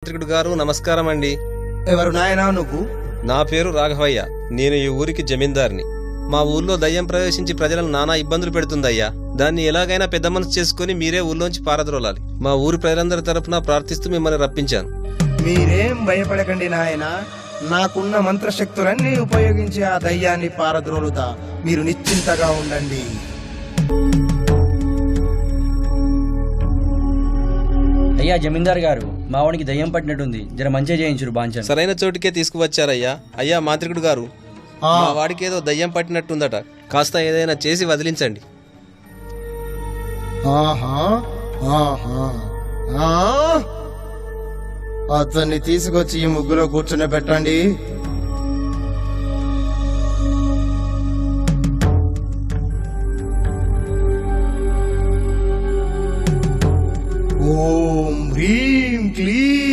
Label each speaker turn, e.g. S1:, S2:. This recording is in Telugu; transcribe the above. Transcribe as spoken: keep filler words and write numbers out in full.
S1: మాంత్రికుడు గారు నమస్కారం అండి.
S2: ఎవరు నాయనా నువ్వు?
S1: నా పేరు రాఘవయ్య. నేను ఈ ఊరికి జమీందార్ని. మా ఊర్లో దయ్యం ప్రవేశించి ప్రజలను నానా ఇబ్బందులు పెడుతుందయ్యా. దాన్ని ఎలాగైనా పెద్ద మనసు చేసుకుని మీరే ఊర్లోంచి పారద్రోలాలి. మా ఊరి ప్రజలందరి తరపున ప్రార్థిస్తూ మిమ్మల్ని రప్పించాను.
S2: మీరేం భయపడకండి నాయనా, నాకున్న మంత్రశక్తులన్నీ ఉపయోగించి ఆ దయ్యాన్ని పారద్రోలుతా. మీరు నిశ్చింతగా ఉండండి.
S3: అయ్యా జమీందార్ గారు, మా వాడికి దయ్యం పట్టినట్టుంది, జర మంచిగా చేయించురు బాంచన్.
S1: సరైన చోటుకే తీసుకువచ్చారయ్యా. అయ్యా మాంత్రికుడు గారు,
S2: ఆ,
S1: మా వాడికి ఏదో దయ్యం పట్టినట్టుందట. కాస్త ఏదైనా చేసి వదిలించండి.
S2: ఆహా, ఆహా, ఆ? అతన్ని తీసుకొచ్చి ఈ ముగ్గులో కూర్చుని పెట్టండి. ఓం హ్రీం క్లీం